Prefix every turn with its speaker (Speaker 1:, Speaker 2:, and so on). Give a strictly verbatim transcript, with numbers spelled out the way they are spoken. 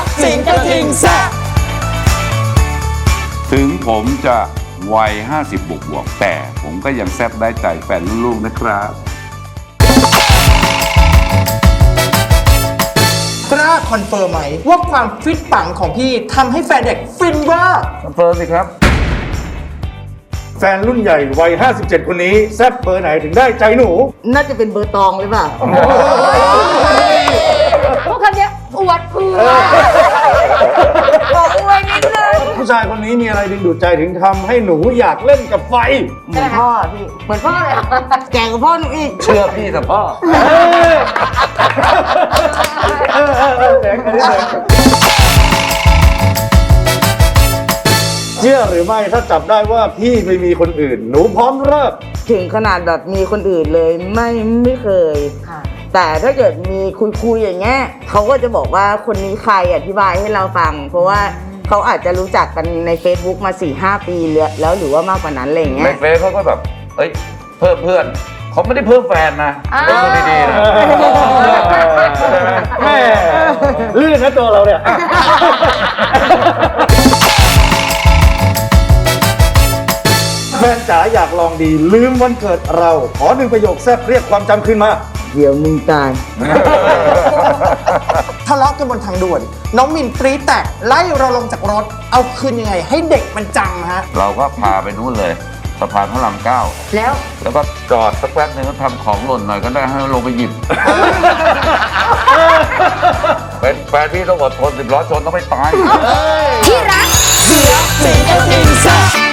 Speaker 1: สิงกระทิงแซะถึงผมจะวัยห้าสิบบวกบวกแต่ผมก็ยังแซ่บได้ใจแฟนลูกๆนะครับ
Speaker 2: กล้าคอนเฟิร์มไหมว่าความฟิตปังของพี่ทำให้แฟนเด็กฟินว่า
Speaker 1: คอนเฟิร์มสิครับ
Speaker 3: แฟนรุ่นใหญ่วัยห้าสิบเจ็ดคนนี้แซ่บเบอร์ไหนถึงได้ใจหนู
Speaker 4: น่าจะเป็นเบอร์ตองหรือเปล่า
Speaker 5: พวกคำนี้อวดเพื่อบอกอวยนิดนึง
Speaker 3: ผู้ชายคนนี้มีอะไรดึงดูดใจถึงทำให้หนูอยากเล่นกับไฟ
Speaker 4: เหมือนพ่อพี่เหมือนพ่อเลยแก่กว่าพ่อหนูอีก
Speaker 1: เชื่อพี่แต่พ่อ
Speaker 3: เชื่อหรือไม่ถ้าจับได้ว่าพี่ไปมีคนอื่นหนูพร้อมเลิก
Speaker 4: ถึงขนาดแบบมีคนอื่นเลยไม่ไม่เคยแต่ถ้าเกิดมีคุยๆอย่างเงี้ยเขาก็จะบอกว่าคนนี้ใครอธิบายให้เราฟังเพราะว่าเขาอาจจะรู้จักกันใน Facebook มา สี่ห้า ปีแล้วหรือว่ามากกว่านั้นอะไรอย่างเงี้ย
Speaker 1: ในเฟซเขาก็แบบเอ้ยเพิ่มเพื่อนเขาไม่ได้เพิ่มแฟนนะเพิ่มดีๆนะ
Speaker 3: แม่ลื่นนะตัวเราเนี่ยแฟนจ๋าอยากลองดีลืมวันเกิดเราขอหนึ่งประโยคแซ่บเรียกความจำขึ้นมา
Speaker 4: เดี๋ยวมึงตาย
Speaker 2: ทะเลาะกันบนทางด่วนน้องมินปรี๊ดแตกไล่เราลงจากรถเอาคืนยังไงให้เด็กมันจำฮะ
Speaker 1: เราก็พาไปนู่นเลยสะพานพระรามเก้า
Speaker 5: แล้ว
Speaker 1: แล้วก็จอดสักแป๊บนึงก็ทำของหล่นหน่อยก็ได้ให้ลงไปหยิบเป็นแฟนพี่ต้องอดทนสิบล้อชนต้องไม่ตาย
Speaker 5: ที่รักเสียสิงกระทิงแซะ